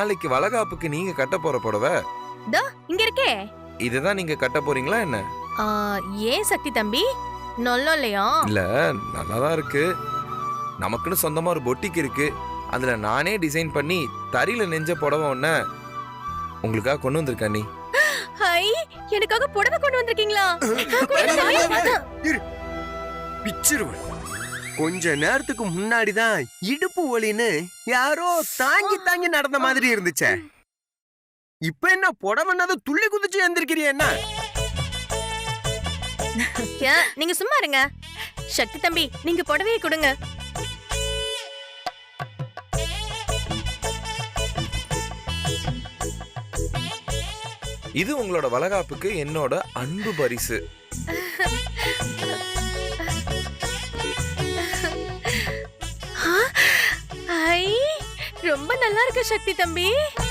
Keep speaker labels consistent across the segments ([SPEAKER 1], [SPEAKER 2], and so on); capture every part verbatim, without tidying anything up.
[SPEAKER 1] நாளைக்கு வளகாப்புக்கு நீங்க கட்ட போற புடவை
[SPEAKER 2] தோ இங்க இருக்கே.
[SPEAKER 1] இதுதான் நீங்க கட்ட போறீங்களா என்ன?
[SPEAKER 2] ஆ, ஏன் சக்தி தம்பி நல்லா இல்லையா?
[SPEAKER 1] இல்ல நல்லாதான் இருக்கு. நமக்குன்னு சொந்தமா ஒரு பொட்டிக் இருக்கு. அதுல நானே டிசைன் பண்ணி தறியில நெஞ்ச புடவை ஒண்ண உங்களுக்காக கொண்டு வந்திருக்கேன். நீ
[SPEAKER 2] ஹை, எனக்காக புடவை கொண்டு வந்திருக்கீங்களா?
[SPEAKER 3] பிச்சிருவன். கொஞ்ச நேரத்துக்கு முன்னாடிதான் இடுப்பு வலின்னு யாரோ தாங்கி தாங்கி நடந்த மாதிரி இருந்துச்சே. இப்ப என்ன புடவைன்னது துள்ளி குதிச்சு எந்திருக்கிறிய என்ன?
[SPEAKER 2] ஏன், நீங்க சும்மா இருங்க. சக்தி தம்பி நீங்க புடவையை கொடுங்க.
[SPEAKER 1] இது உங்களோட வளகாப்புக்கு என்னோட அன்பு பரிசு.
[SPEAKER 2] ஹை, ரொம்ப நல்லா இருக்கு சக்தி தம்பி.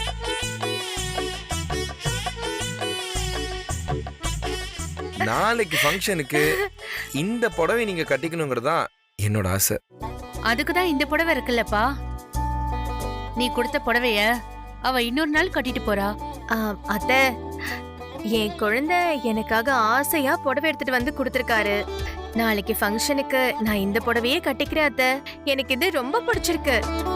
[SPEAKER 1] நாளைக்கு ஃபங்க்ஷனுக்கு இந்த புடவை நீங்க கட்டிக்கணுங்கிறதா என்னோட ஆசை.
[SPEAKER 4] அதுக்குதான் இந்த புடவை இருக்குல்லப்பா. நீ கொடுத்த புடவைய அவ இன்னொரு நாள் கட்டிட்டு போறா.
[SPEAKER 2] அத்தை, என் குழந்தை எனக்காக ஆசையா புடவை எடுத்துட்டு வந்து கொடுத்திருக்காரு. நாளைக்கு ஃபங்க்ஷனுக்கு நான் இந்த புடவையே கட்டிக்கிறேன் அத்தை. எனக்கு இது ரொம்ப பிடிச்சிருக்கு.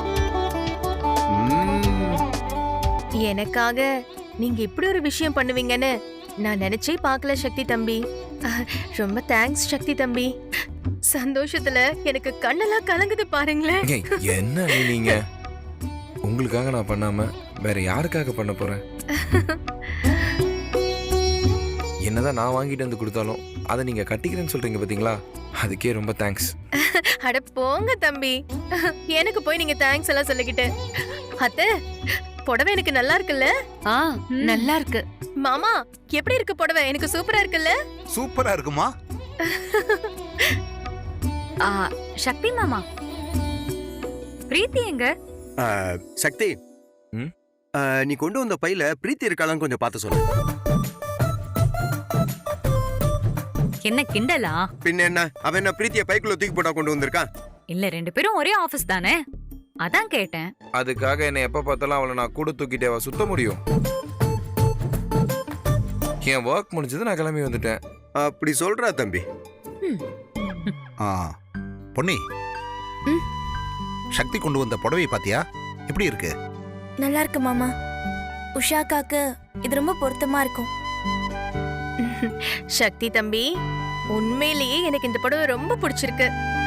[SPEAKER 2] எனக்காக நீங்க இப்படி ஒரு விஷயம் பண்ணுவீங்கன்னு நான் நினைச்சே பார்க்கல சக்தி தம்பி. ரொம்ப தேங்க்ஸ் சக்தி தம்பி. சந்தோஷத்துல எனக்கு கண்ணெல்லாம் கலங்குது பாருங்களேன்.
[SPEAKER 1] என்ன நீங்க உங்களுக்காக நான் பண்ணாம வேற யாருக்காக பண்ண போறேன்? என்னதான் நான் வாங்கிட்டு வந்து கொடுத்தாலும் அதை நீங்க கட்டிக்கிறேன்னு சொல்றீங்க பாத்தீங்களா, அதுக்கே ரொம்ப தேங்க்ஸ்.
[SPEAKER 2] அட போங்க தம்பி, எனக்கு போய் நீங்க தேங்க்ஸ் எல்லாம் சொல்லிக்கிட்டு. அத்தை, புடவை எனக்கு நல்லா இருக்குல்ல?
[SPEAKER 4] ஆ, நல்லா இருக்கு.
[SPEAKER 2] மாமா எப்படி இருக்கு புடவை? எனக்கு சூப்பரா இருக்குல்ல?
[SPEAKER 5] சூப்பரா இருக்குமா?
[SPEAKER 6] ஆ, சக்தி மாமா, பிரீத்தி எங்க?
[SPEAKER 3] சக்தி, நீ கொண்டு வந்த பையில பிரீத்தி இருக்காளான்னு கொஞ்சம் பார்த்து சொல்லு.
[SPEAKER 6] என்ன கிண்டலா?
[SPEAKER 3] பின்ன என்ன, அவன் என்ன பிரீத்திய பைக்குள்ள தூக்கி போட்டா கொண்டு வந்திருக்கான்?
[SPEAKER 6] இல்ல, ரெண்டு பேரும் ஒரே ஆபீஸ் தானே, அதான் கேட்டேன்.
[SPEAKER 1] அதுக்காக என்ன எப்ப பார்த்தாலும் அவளை நான் கூட தூக்கிட்டேவா சுத்த முடியும்? என் ஒர்க் முடிஞ்சது, நான் கிளம்பி வந்துட்டேன்.
[SPEAKER 3] அப்படி சொல்றா தம்பி.
[SPEAKER 5] ஆ பொன்னி, சக்தி கொண்டு வந்த புடவை பாத்தியா? எப்படி இருக்கு?
[SPEAKER 7] நல்லா இருக்கு மாமா. உஷாக்காக்கு இது ரொம்ப பொருத்தமா இருக்கும்.
[SPEAKER 2] சக்தி தம்பி, உண்மையிலேயே எனக்கு இந்த புடவை ரொம்ப பிடிச்சிருக்கு.